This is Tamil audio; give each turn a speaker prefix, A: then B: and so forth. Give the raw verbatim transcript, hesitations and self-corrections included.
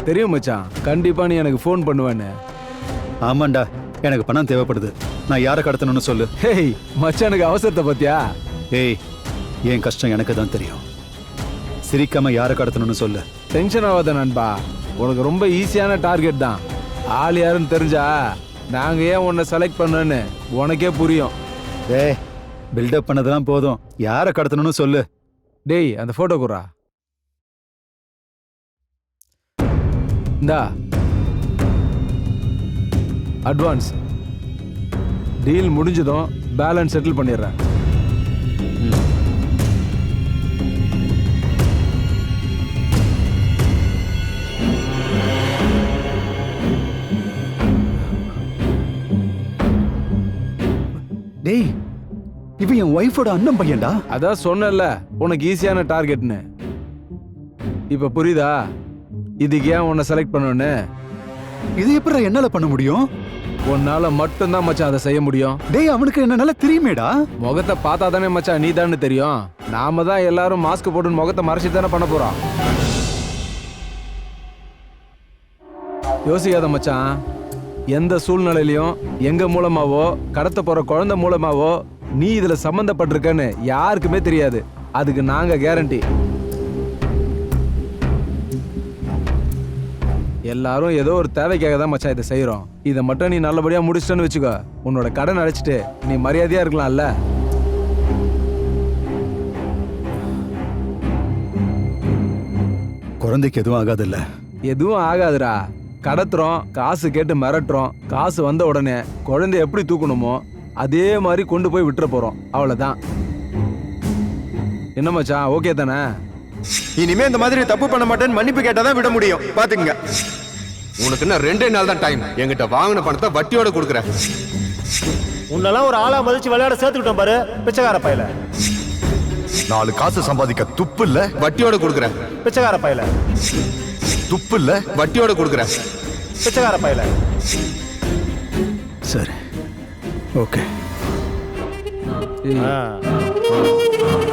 A: எனக்கு தெரியும் மச்சான், கண்டிப்பா நீ எனக்கு ஃபோன் பண்ணுவேன்னு.
B: ஆமாண்டா, எனக்கு பணம் தேவைப்படுது. நான் யாரை கடத்தணும்னு சொல்லு.
A: ஹேய் மச்சானுக்கு அவசரத்தை பத்தியா?
B: ஏய், என் கஷ்டம் எனக்கு தான் தெரியும். சிரிக்காம யாரை கடத்தணும்னு சொல்லு.
A: டென்ஷன் ஆகாத நண்பா, உனக்கு ரொம்ப ஈஸியான டார்கெட் தான். ஆள் யாருன்னு தெரிஞ்சா நாங்க ஏன் உன்னை செலக்ட் பண்ணோன்னு உனக்கே புரியும்.
B: டேய், பில்டப் பண்ணதெல்லாம் போதும். யாரை கடத்தணும்னு சொல்லு.
A: டேய் அந்த போட்டோ குறா. இந்தா அட்வான்ஸ். டீல் முடிஞ்சதும் பேலன்ஸ் செட்டில் பண்ணிடுறேன்.
B: டேய், இவன் என் ஒய்ஃபோட அண்ணன் பையன்டா.
A: அதான் சொன்னல உனக்கு ஈஸியான டார்கெட்னு. இப்ப புரியுதா இதுக்கு ஏன் உன்னை செலக்ட் பண்ணோன்னு?
B: இது எப்படி என்னால பண்ண முடியும்?
A: உன்னால மட்டும்தான் மச்சான் அதை செய்ய முடியும்.
B: டேய், அவனுக்கு என்ன நல்லா தெரியுமேடா.
A: முகத்தை பார்த்தா தானே மச்சான் நீ தானே தெரியும். நாம தான் எல்லாரும் மாஸ்க் போட்டு முகத்தை மறைச்சிட்டு தானே பண்ண போறோம். யோசிக்காத மச்சான், எந்த சூழ்நிலையிலையும் எங்க மூலமாவோ கடத்த போற குழந்தை மூலமாவோ நீ இதுல சம்பந்தப்பட்டிருக்கன்னு யாருக்குமே தெரியாது. அதுக்கு நாங்க கேரண்டி. எல்லாரும் ஏதோ ஒரு தேவைக்காக தான் மச்சான் இதை செய்யறோம். இதை மட்டும் நீ நல்லபடியா முடிச்சிட்டன்னு வச்சுக்கோ, உன்னோட கடன் அடைச்சிட்டு நீ மரியாதையா இருக்கலாம்ல.
B: குழந்தைக்கு எதுவும் ஆகாதுல்ல?
A: எதுவும் ஆகாதுடா. கடத்துறோம், காசு கேட்டு மிரட்டுறோம். காசு வந்த உடனே குழந்தைய எப்படி தூக்கணுமோ அதே மாதிரி கொண்டு போய் விட்டுற போறோம். அவ்வளவுதான். என்ன மச்சான், ஓகே தானே?
C: இனிமே இந்த மாதிரி தப்பு பண்ண மாட்டேன்னு மன்னிப்பு கேட்டாதான் விட முடியும். பாத்துக்கங்க.
D: உனக்கு என்ன ரெண்டே நாள் தான் டைம். என்கிட்ட வாங்கின பணத்தை வட்டியோட கொடுக்குறேன்.
E: உன்னெல்லாம் ஒரு ஆளா மதிச்சு விளையாட சேர்த்துக்கிட்டோம் பாரு பிச்சைக்கார பையல.
F: நாலு காசு சம்பாதிக்க துப்பு இல்ல,
D: வட்டியோட கொடுக்குறேன்.
E: பிச்சைக்கார பையல.
F: துப்பு இல்ல,
D: வட்டியோட கொடுக்குறேன்.
E: பிச்சைக்கார பையல.
B: சரி, ஓகே.
A: ஏய்,
E: ஆ.